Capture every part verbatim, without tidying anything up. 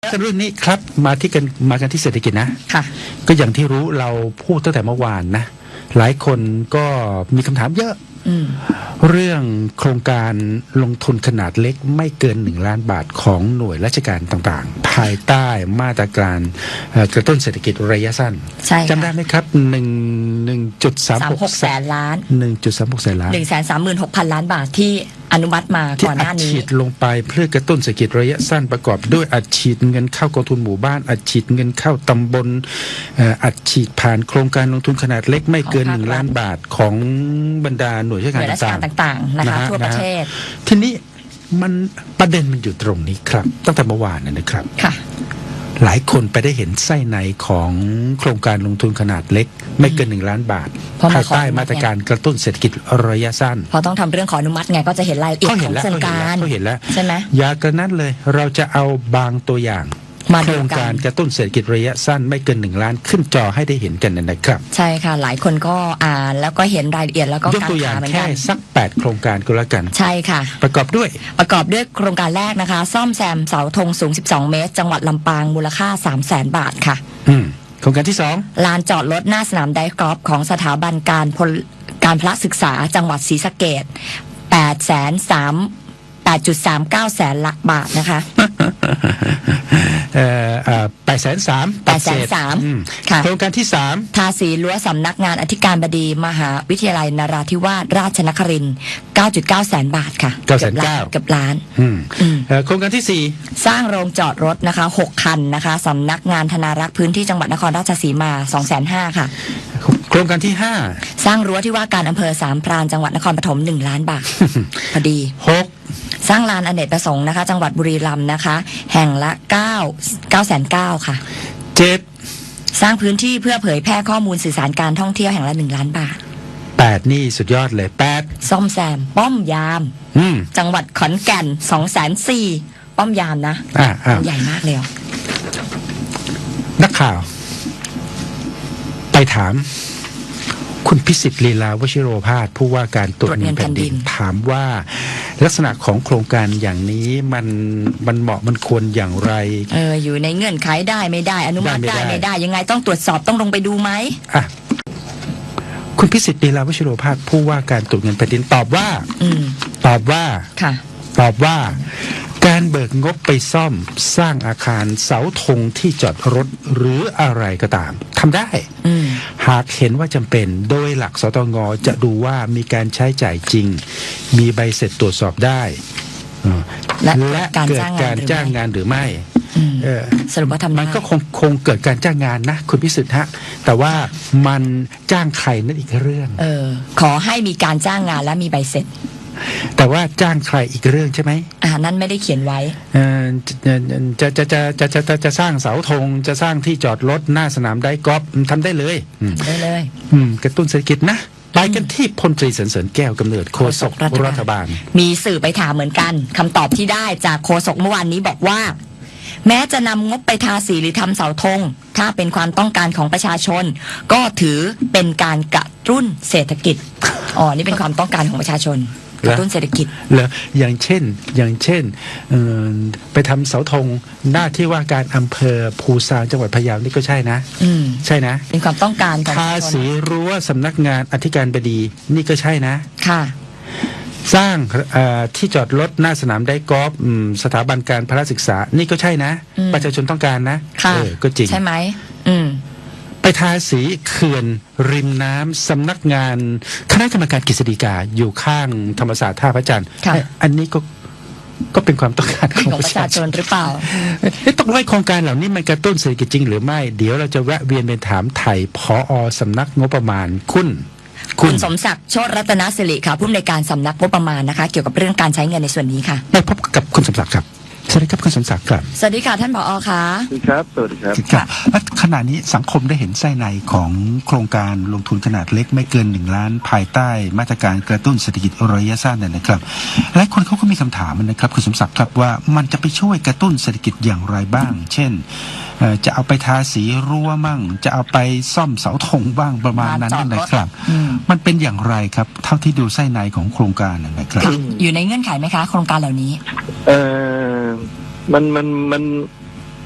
เรื่องนี้ครับมาที่กันมากันที่เศรษฐกิจนะค่ะก็อย่างที่รู้เราพูดตั้งแต่เมื่อวานนะหลายคนก็มีคำถามเยอะเรื่องโครงการลงทุนขนาดเล็กไม่เกินหนึ่งล้านบาทของหน่วยราชการต่างๆภายใต้มาตรการกระตุ้นเศรษฐกิจระยะสั้นจำได้ไหมครับหนึ่งหนึ่งจุดสามหกแสนล้านหนึ่งจุดสามหกแสนล้านหนึ่งแสนสามหมื่นหกพันล้านบาทที่อนุมัติมาก่อนหน้านี้ที่อัดฉีดลงไปเพื่อกระตุ้นเศรษฐกิจระยะสั้นประกอบด้วยอัดฉีดเงินเข้ากองทุนหมู่บ้านอัดฉีดเงินเข้าตำบลอัดฉีดผ่านโครงการลงทุนขนาดเล็กไม่เกินหนึ่งล้านบาทของบรรดาหน่วยราชการต่างๆนะคะทั่วประเทศทีนี้มันประเด็นมันอยู่ตรงนี้ครับตั้งแต่เมื่อวานนะครับค่ะหลายคนไปได้เห็นไส้ในของโครงการลงทุนขนาดเล็กไม่เกินหนึ่งล้านบาทภายใต้มาตรการกระตุ้นเศรษฐกิจระยะสั้นพอต้องทำเรื่องขออนุมัติไงก็จะเห็นรายละเอียดของโครงการเขาเห็นแล้วใช่ไหมอย่ากระนั้นเลยเราจะเอาบางตัวอย่างโครงการกระตุ้นเศรษฐกิจระยะสั้นไม่เกินหนึ่งล้านขึ้นจอให้ได้เห็นกันนะครับใช่ค่ะหลายคนก็อ่านแล้วก็เห็นรายละเอียดแล้วก็ยกตัวอย่างแค่สักแปดโครงการก็แล้วกันใช่ค่ะประกอบด้วยประกอบด้วยโครงการแรกนะคะซ่อมแซมเสาธงสูงสิบสองเมตรจังหวัดลำปางมูลค่า สามแสน บาทค่ะอืมโครงการที่สองลานจอดรถหน้าสนามไดกอล์ฟของสถาบันการพลการพละศึกษาจังหวัดศรีสะเกษ แปดแสนสาม แปดจุดสามเก้า แสนละบาทนะคะเอ่อเอ่อแปดแสนสามแปดแสนสามค่ะโครงการที่สามทาสีรั้วสำนักงานอธิการบดีมหาวิทยาลัยนราธิวาสราชนครินทร์ เก้าจุดเก้า แสนบาทค่ะเก้าแสนเก้าเกือบล้านโครงการที่สี่สร้างโรงจอดรถนะคะหกคันนะคะสำนักงานธนารักษ์พื้นที่จังหวัดนครราชสีมา สองแสนห้า ค่ะโครงการที่ห้าสร้างรั้วที่ว่าการอำเภอสามพรานจังหวัดนครปฐมหนึ่งล้านบาทพอดีหกสร้างลานอเนกประสงค์นะคะจังหวัดบุรีรัมย์นะคะแห่งละเก้า เก้าแสนเก้าค่ะเจ็ดสร้างพื้นที่เพื่อเผยแพร่ข้อมูลสื่อสารการท่องเที่ยวแห่งละหนึ่งล้านบาทแปดนี่สุดยอดเลยแปดซ่อมแซมป้อมยามจังหวัดขอนแก่นสองแสนสี่ป้อมยามนะอ่าอ่าใหญ่มากเลยนักข่าวไปถามคุณพิสิทธิ์ลีลาวชิโรภาสผู้ว่าการตรวจเงินแผ่นดินถามว่าลักษณะของโครงการอย่างนี้มันมันเหมาะมันควรอย่างไรเอออยู่ในเงื่อนไขได้ไม่ได้อนุมัติได้ไม่ได้ยังไงต้องตรวจสอบต้องลงไปดูไหมอ่ะคุณพิสิทธิ์ลีลาวชิโรภาสผู้ว่าการตรวจเงินแผ่นดินตอบว่าอืมตอบว่าค่ะตอบว่าการเบิกงบไปซ่อมสร้างอาคารเสาธงที่จอดรถหรืออะไรก็ตามทำได้หากเห็นว่าจำเป็นโดยหลักสตงจะดูว่ามีการใช้จ่ายจริงมีใบเสร็จตรวจสอบได้และเกิดการจ้างงานหรือไม่สรุปว่าทำมันก็คงคงเกิดการจ้างงานนะคุณพิสุทธิ์ฮะแต่ว่ามันจ้างใครนั่นอีกเรื่องเออขอให้มีการจ้างงานและมีใบเสร็จแต่ว่าจ้างใครอีกเรื่องใช่ไหมอ่านั่นไม่ได้เขียนไว้จะจะจะจะจะจะจะสร้างเสาธงจะสร้างที่จอดรถหน้าสนามไดกอล์ฟทำได้เลยได้เลยกระตุ้นเศรษฐกิจนะไปกันที่พลตรีสรรเสริญแก้วกำเนิดโฆษกรัฐบาลมีสื่อไปถามเหมือนกันคำตอบที่ได้จากโฆษกเมื่อวานนี้บอกว่าแม้จะนำงบไปทาสีหรือทำเสาธงถ้าเป็นความต้องการของประชาชนก็ถือเป็นการกระตุ้นเศรษฐกิจอ๋อนี่เป็นความต้องการของประชาชนกระตุ้นเศรษฐกิจเหรออย่างเช่นอย่างเช่นไปทำเสาธงหน้าที่ว่าการอำเภอภูซางจังหวัดพะเยานี่ก็ใช่นะใช่นะเป็นความต้องการของทาสีรั้วสำนักงานอธิการบดีนี่ก็ใช่นะค่ะสร้างที่จอดรถหน้าสนามไดกอล์ฟสถาบันการพละศึกษานี่ก็ใช่นะประชาชนต้องการนะค่ะก็จริงใช่ไหมอืมไปทาสีเขื่อนริมน้ำสำนักงานคณะกรรมการกฤษฎีกาอยู่ข้างธรรมศาสตร์ท่าพระจันทร์อันนี้ก็ก็เป็นความต้องการของประชาชนหรือเปล่าต้องไว้โครงการเหล่านี้มันกระตุ้นเศรษฐกิจจริงหรือไม่เดี๋ยวเราจะแวะเวียนไปถามไถ่ผอ.สำนักงบประมาณคุณคุณสมศักดิ์โชติรัตนสิริค่ะผู้อำนวยการสำนักงบประมาณนะคะเกี่ยวกับเรื่องการใช้เงินในส่วนนี้ค่ะได้พบกับคุณสมศักดิ์ครับสวัสดีครับคุณสมศักดิ์ครับสวัสดีค่ะท่านผอ.ค่ะสวัสดีครับสวัสดีครับค่ะและขณะนี้สังคมได้เห็นไส้ในของโครงการลงทุนขนาดเล็กไม่เกินหนึ่งล้านภายใต้มาตรการกระตุ้นเศรษฐกิจระยะสั้นเนี่ยนะครับหลายคนเขาก็มีคำถามนะครับคุณสมศักดิ์ครับว่ามันจะไปช่วยกระตุ้นเศรษฐกิจอย่างไรบ้างเช่นจะเอาไปทาสีรั้วมั่งจะเอาไปซ่อมเสาธงบ้างประมาณนั้นนะครับมันเป็นอย่างไรครับเท่าที่ดูไส้ในของโครงการนะครับอยู่ในเงื่อนไขไหมคะโครงการเหล่านี้เออมันมันมัน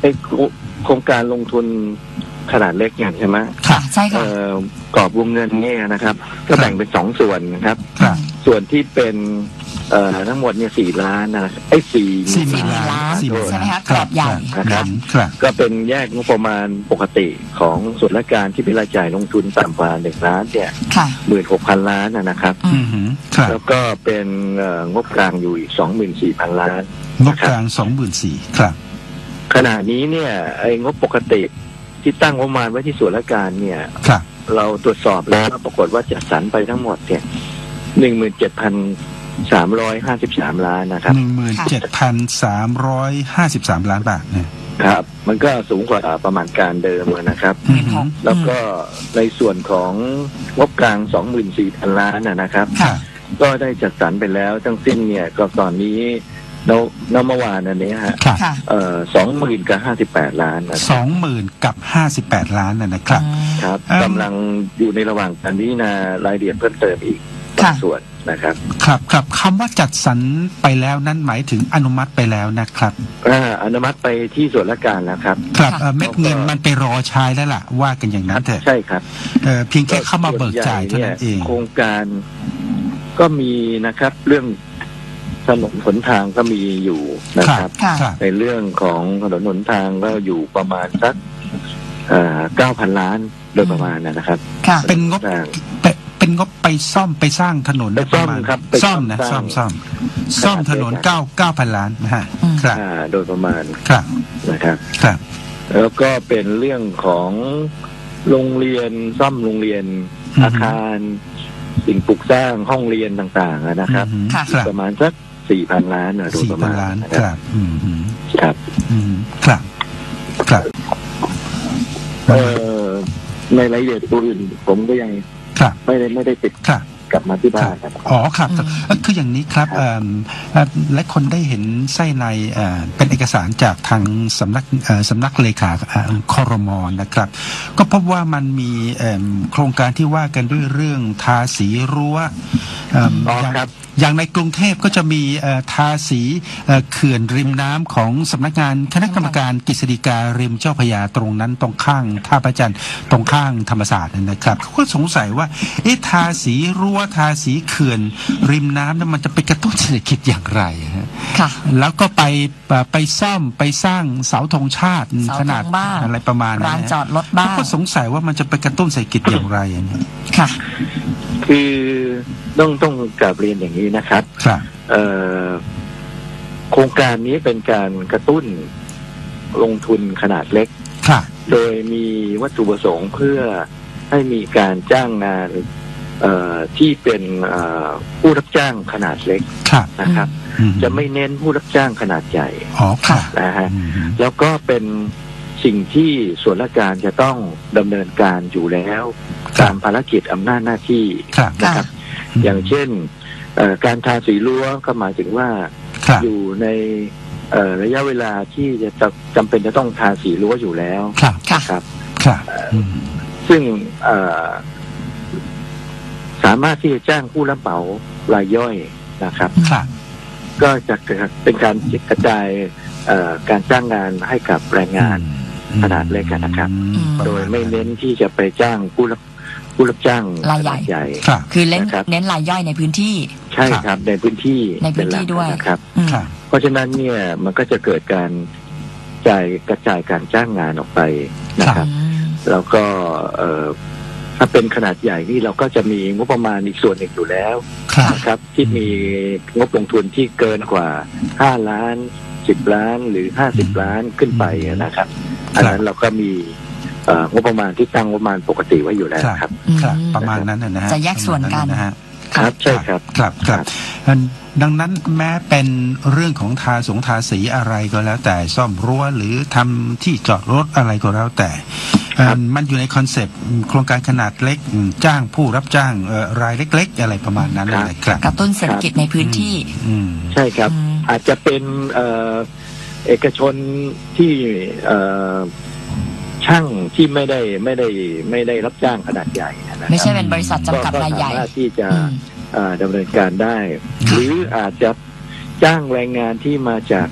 ไอ้โครงการลงทุนขนาดเล็กอย่างใช่ไหมค่ะใช่ค่ะเอ่อกรอบวงเงินเนี่ยนะครับก็แบ่งเป็นสองส่วนนะครับครับส่วนที่เป็นเอ่อทั้งหมดเนี่ยสี่ล้านนะครับไอ้สี่สี่หสี่มื่นหมื่นล้าล้าน นสี่หมื่นใช่ไหมล้านคะกรอบใหญ่นะครับครับก็เป็นแยกงบประมาณปกติของส่วนราชการที่เป็นรายจ่ายลงทุนต่ำกว่าหนึ่งล้านเนี่ยค่ะหมื่นหกพันล้านนะนะครับอือืมมหืมครับแล้วก็เป็นเอ่องบกลางอยู่อีกสองหมื่นสี่พันล้านงบกลางสองหมื่นสี่ครับขณะนี้เนี่ยไอ้งบปกติที่ตั้งงบประมาณไว้ที่ส่วนราชการเนี่ยครับเราตรวจสอบแล้วปรากฏว่าจัดสรรไปทั้งหมดเนี่ยหนึ่งหมื่นเจ็ดพันสามร้อยห้าสิบสามล้านนะครับหนึ่งหมื่นเจ็ดพันสามร้อยห้าสิบสามล้านบาทเนี่ยครับ มันก็สูงกว่าประมาณการเดิมนะครับอืมหืมแล้วก็ในส่วนของงบกลางสองหมื่นสี่พันล้านนะนะครับครับก็ได้จัดสรรไปแล้วทั้งสิ้นเนี่ยก็ตอนนี้นนเมื่อวานอันนี้ฮะครับค่ะเอ่อสองหมื่นกับห้าสิบแปดล้านนะคสรับองหมื่นกับห้าสิบแปดล้านน่ะนะครับอืมครับเอิ่มกำลังอยู่ในระหว่างการพิจารณารายละเอียดเพิ่มเติมอีกบางค่ะส่วนนะครับครับครับคำว่าจัดสรรไปแล้วนั่นหมายถึงอนุมัติไปแล้วนะครับอ่าอนุมัติไปที่ส่วนราชการแล้วครับครับค่ะเอ่อเม็ดเงินมันไปรอใช้แล้วล่ะว่ากันอย่างนั้นเถอะใช่ครับเอ่อเพียงแค่เข้ามาเบิกจ่ายเท่านั้นเองโครงการก็มีนะครับ เรื่องถนนหนทางก็มีอยู่นะครับค่ะครับในเรื่องของถนนหนทางก็อยู่ประมาณสักเก้าพันล้านโดยประมาณนะครับค่ะเป็นงบสร้างเป็นเป็นงบไปซ่อมไปสร้างถนนไปซ่อมปะาณครับไปซ่อมนะซ่ซ่ออมมซ่อมสซ่อร้างมถนนเก้าเก้าพันล้านนะฮะอืมครับอ่าโดยประมาณครับนะครับครับแล้วก็เป็นเรื่องของโรงเรียนซ่อมโรงเรียนอือฮึอาคาร สิ่งปลูกสร้างห้องเรียนต่างๆอะนะครับอืมค่ะครับประมาณสักสี่พันล้านนะโดยสี่ประพัมาน ณล้านนะคครัรับบอืมอืมครับอืมครับครับเอ่อในรายละเอียดตัวอื่นผมก็ยังครับไม่ได้ไม่ได้ติดครับกลับมาที่บ้านครับอ๋อครับอืมเอ่อคืออย่างนี้ครับเอิ่มเอ่อและคนได้เห็นไส้ในเอ่อเป็นเอกสารจากทางสำนักเอ่อสำนักเลขาเอ่อคอรมอนะครับ ก็พบว่ามันมีเอิ่มโครงการที่ว่ากันด้วยเรื่องทาสีรั้วเอิ่มอ๋ออย่างครับอย่างในกรุงเทพก็จะมีเอ่อทาสีเอ่อเขื่อนริมน้ำของสำนักงานคณะกรรมการกฤษฎีการิมเจ้าพระยาตรงนั้นตรงข้างท่าพระจันทร์ตรงข้างธรรมศาสตร์นั่นนะครับเขาก็สงสัยว่าเอ๊ะทาสีรั้วทาสีเขื่อนริมน้ำเนี่ยมันจะไปกระตุ้นเศรษฐกิจอย่างไรฮะค่ะแล้วก็ไปเอ่อไปซ่อมไปสร้างเสาธงชาติเสาธงขนาดบ้างอะไรประมาณนั้นร้านนะจอดรถบ้างเขาก็สงสัยว่ามันจะไปกระตุ้นเศรษฐกิจอย่างไรอะเนี่ยค่ะคือต้องต้องกลับเรียนอย่างนี้นะครับครับเอ่อโครงการนี้เป็นการกระตุ้นลงทุนขนาดเล็กครับโดยมีวัตถุประสงค์เพื่อให้มีการจ้างงานเอ่อที่เป็นเอ่อผู้รับจ้างขนาดเล็กครับนะครับอืมจะไม่เน้นผู้รับจ้างขนาดใหญ่อ๋อครับนะฮะอืมแล้วก็เป็นสิ่งที่ส่วนราชการจะต้องดำเนินการอยู่แล้วตามภารกิจอำนาจหน้าที่ครับนะครับ อย่างเช่นเอ่อการทาสีรั้วก็หมายถึงว่าครับอยู่ในเอ่อระยะเวลาที่จะจะจำเป็นจะต้องทาสีรั้วอยู่แล้วครับค่ะนะครับครับอืมซึ่งเอ่อสามารถที่จะจ้างผู้รับเหมารายย่อยนะครับครับก็จะเป็นการกระจายเอ่อการจ้างงานให้กับแรงงาน ขนาดเล็กอะนะครับอืมโดยไม่เน้นที่จะไปจ้างผู้รับผู้รับจ้างรายใหญ่ขนดใหญ่ครับคือเน้นนะครับเน้นรายย่อยในพื้นที่ใช่ครับในพื้นที่ในพื้นที่เป็หลักด้วยนะครับอืมครับเพราะฉะนั้นเนี่ยมันก็จะเกิดการจ่ายกระจายการจ้างงานออกไปนะครับอืมแล้วก็เอ่อถ้าเป็นขนาดใหญ่นี่เราก็จะมีงบประมาณอีกส่วนหนึ่งอยู่แล้วครับนะครับ ที่มีงบลงทุนที่เกินกว่าห้าล้านสิบล้านหรือห้าสิบล้านขึ้นไปนะครับ อันนั้นเราก็มีเอ่องบประมาณที่ตั้งงบประมาณปกติไว้อยู่แล้วครับครับประมาณนั้นนะฮะจะแยกส่วนกันประมาณนะฮะครับใช่ครับครับครับอันดังนั้นแม้เป็นเรื่องของทาสงทาสีอะไรก็แล้วแต่ซ่อมรั้วหรือทำที่จอดรถอะไรก็แล้วแต่เอ่อมันอยู่ในคอนเซปต์โครงการขนาดเล็กจ้างผู้รับจ้างเอ่อรายเล็ก ๆ อะไรประมาณนั้นครับนะครับกระตุ้นเศรษฐกิจในพื้นที่อืมใช่ครับอืมอาจจะเป็นเอ่อเอกชนที่เอ่อช่างที่ไม่ได้ไม่ได้ไม่ได้รับจ้างขนาดใหญ่นะครับไม่ใช่เป็นบริษัทจำกัดก็รายใหญ่สามารถที่จะอืมเอ่อดำเนินการได้ค่ะหรืออาจจะจ้างแรงงานที่มาจาก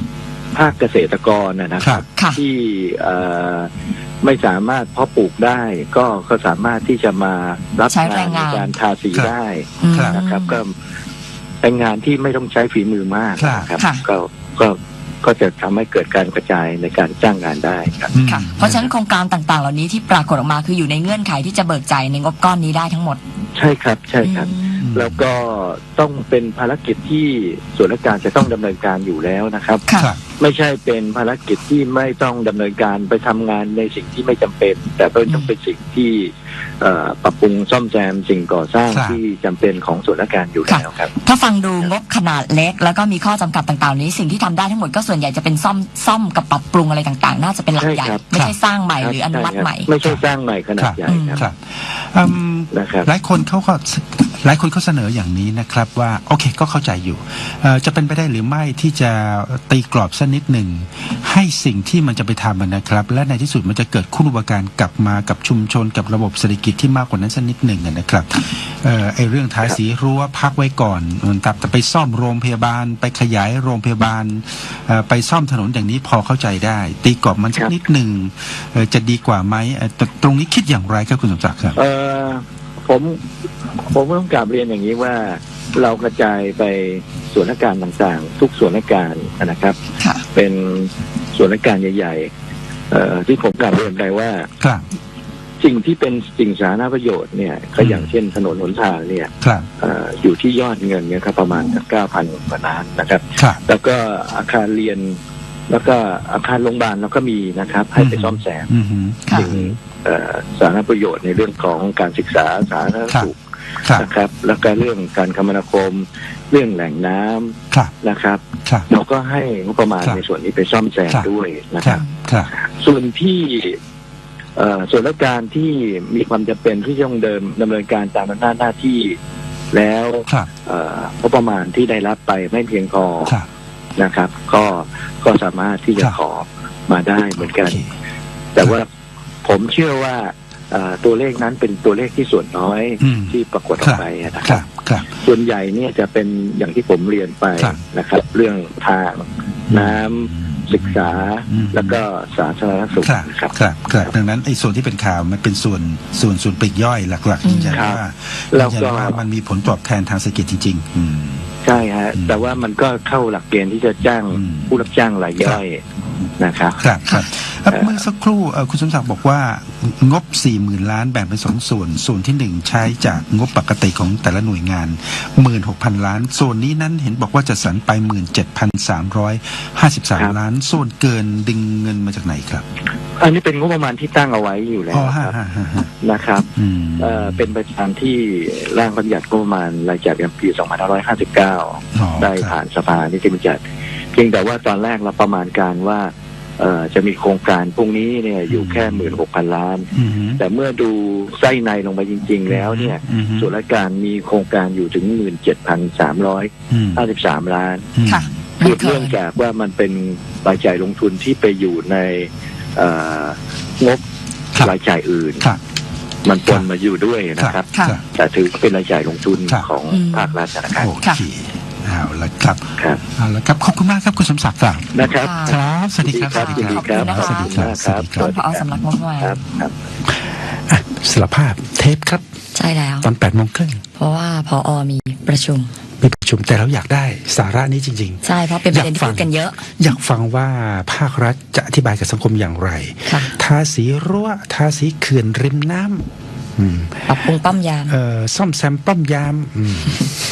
ภาคเกษตรกรนะนะคครัรับบค่ะที่เอ่อไม่สามารถเพาะปลูกได้ก็ก็สามารถที่จะมารับใช้แรงงานงานในการทาสีครับได้อืมนะครับ ก็เป็นงานที่ไม่ต้องใช้ฝีมือมากครับนะครับค่ะก็ก็ก็จะทำให้เกิดการกระจายในการจ้างงานได้ครับอืมค่ะ เพราะฉะนั้นโครงการต่างๆ เหล่านี้ที่ปรากฏออกมาคืออยู่ในเงื่อนไขที่จะเบิกจ่ายในงบก้อนนี้ได้ทั้งหมดใช่ครับใช่ครับอืมแล้วก็ต้องเป็นภารกิจที่ส่วนราชการจะต้องดำเนินการอยู่แล้วนะครับค่ะครับไม่ใช่เป็นภารกิจที่ไม่ต้องดำเนินการไปทำงานในสิ่งที่ไม่จำเป็น แต่เป็นต้องเป็นสิ่งที่เอ่อปรับปรุงซ่อมแซมสิ่งก่อสร้างครับที่จำเป็นของส่วนราชการอยู่แล้วครับถ้าฟังดูงบขนาดเล็ก แล้วก็มีข้อจำกัดต่างๆ นี้สิ่งที่ทำได้ทั้งหมดก็ส่วนใหญ่จะเป็นซ่อมซ่อมกับปรับปรุงอะไรต่างๆ น่าจะเป็นหลักใหญ่ใช่ครับไม่ใช่สร้างใหม่หรืออนุมัติใหม่ไม่ใช่สร้างใหม่ขนาดใหญ่ครับครับอืมนะครับหลายคนเขาก็หลายคนเขาเสนออย่างนี้นะครับว่าโอเคก็เข้าใจอยู่เอ่อจะเป็นไปได้หรือไม่ที่จะตีกรอบสักนิดหนึ่งให้สิ่งที่มันจะไปทำนะครับ และในที่สุดมันจะเกิดคุณูปการกลับมากับชุมชนกับระบบเศรษฐกิจที่มากกว่านั้นสักนิดหนึ่งนะครับเอ่อไอเรื่องทาสีรั้วพักไว้ก่อนแต่แต่ไปซ่อมโรงพยาบาล ไปขยายโรงพยาบาลเอ่อไปซ่อมถนนอย่างนี้พอเข้าใจได้ ตีกรอบมันสักนิดหนึ่งเอ่อจะดีกว่าไหมเอ่อตตรงนี้คิดอย่างไรครับคุณสมศักดิ์ครับเอ่อผมผมต้องกลับเรียนอย่างนี้ว่าเรากระจายไปส่วนราชการต่างๆ ทุกส่วนราชการนะครับค่ะเป็นส่วนราชการใหญ่ๆเอ่อที่ผมกลับเรียนไปว่าครับสิ่งที่เป็นสิ่งสาธารณประโยชน์เนี่ยก็อืมอย่างเช่นถนนหนทางเนี่ยครับเอ่ออยู่ที่ยอดเงินเนี่ยครับประมาณเก้าพันกว่าล้านนะครับครับแล้วก็อาคารเรียน แล้วก็อาคารโรงพยาบาลเราก็มีนะครับ ให้ไปซ่อมแซมอือฮึค่ะสิ่งเอ่อสาธารณประโยชน์ในเรื่องของการศึกษาสาธารณสุขครับนะครับ แล้วก็เรื่องการคมนาคม เรื่องแหล่งน้ำครับนะครับครับเราก็ให้งบประมาณครับในส่วนนี้ไปซ่อมแซมครับด้วยนะคครัรับบ ครับส่วนที่เอ่อส่วนราชการที่มีความจำเป็นที่จะต้องเดินดำเนินการตามอำนาจหน้าที่แล้วครับเอ่องบประมาณที่ได้รับไปไม่เพียงพอครับนะครับ ก็ก็สามารถที่จะครับขอมาได้เหมือนกันโอเคแต่ว่าผมเชื่อว่าเอ่อตัวเลขนั้นเป็นตัวเลขที่ส่วนน้อยอืมที่ปรากฏอคอกรับไปนะคครัรับบ ครับส่วนใหญ่เนี่ยจะเป็นอย่างที่ผมเรียนไปครับนะครับ เรื่องทางน้ำศึกษาอืมแล้วก็สาธารณสุขครับนะครับครับครับดังนั้นไอ้ส่วนที่เป็นข่าวมันเป็นส่วนส่วนส่วนปลีกย่อยหลักๆยืนยันครับว่าแล้วยืนก็ยันว่ามันมีผลตอบแทนทางเศรษฐกิจจริงๆอืมใช่ฮะอืมแต่ว่ามันก็เข้าหลักเกณฑ์ที่จะจ้างอืมผู้รับจ้างรายย่อยนะครับครับครับเอ่อเอ่อเมื่อสักครู่เอ่อคุณสมศักดิ์บอกว่างบ สี่หมื่น ล้านแบ่งเป็นสองส่วน ส่วนที่หนึ่งใช้จากงบปกติของแต่ละหน่วยงาน หนึ่งหมื่นหกพัน ล้าน ส่วนนี้นั้นเห็นบอกว่าจะสรรไป หนึ่งหมื่นเจ็ดพันสามร้อยห้าสิบสาม ล้าน ส่วนเกินดึงเงินมาจากไหนครับอันนี้เป็นงบประมาณที่ตั้งเอาไว้อยู่แล้วอ๋อคฮะรับฮะฮะฮะนะครับอืมเอ่อเป็นไปตามที่ร่างบัญญัติงบประมาณรายจ่ายประจำปี สองพันห้าร้อยห้าสิบเก้าอ๋อได้ครับผ่านสภานิติบัญญัติเพียงแต่ว่าตอนแรกเราประมาณการว่าเอ่อจะมีโครงการพวกนี้เนี่ยอยู่แค่หมื่นหกพันล้านอืมฮึแต่เมื่อดูไส้ในลงไปจริง ๆ แล้วเนี่ยอืมฮึส่วนราชการมีโครงการอยู่ถึงหมื่นเจ็ดพันสามร้อยอืมห้าสิบสามล้านอืมค่ะคือเนื่องจากว่ามันเป็นรายจ่ายลงทุนที่ไปอยู่ในเอ่องบครับรายจ่ายอื่นครับมันปนมาอยู่ด้วยนะครับค่ะครับแต่ถือเป็นรายจ่ายลงทุนครับของอืมภาครัฐนะครับโอเคเอาละครับครับเอาละครับขอบคุณมากครับคุณสมศักดิ์ครับนะครับครับ สวัสดีครับครับสวัสดีครับขอบคุณนะคะสวัสดีครับ สวัสดีคท่ารับนผอสำนักงบประมาณครับครับอ่ะสารภาพเทปครับใช่แล้วตอนแปดโมงครึ่งเพราะว่าพอมีประชุมไปประชุมแต่เราอยากได้สาระนี้จริงใช่เพราะเป็นประเด็นที่พูดกันเยอะๆ อยากฟังว่าภาครัฐจะอธิบายกับสังคมอย่างไรค่ะทาสีรั้วทาสีเขื่อนริมน้ำอืมปรับปรุงป้อมยามเอ่อซ่อมแซมป้อมยามอืม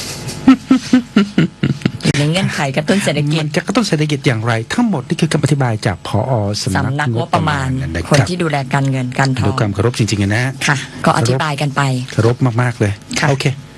อยู่ในเงื่อนไขกระตุ้นเศรษฐกิจมันจะกระตุ้นเศรษฐกิจอย่างไร ทั้งหมดนี่คือคำอธิบายจากผอสำนักสำนักงงบบ ปประ ระมามาณณนะคคนรับที่ดูแลการเงินการทอด้วยงความเคารพจริงๆนะค่ะ ก็อธิบายกันไปเคารพมากๆเลยค่ะโอเค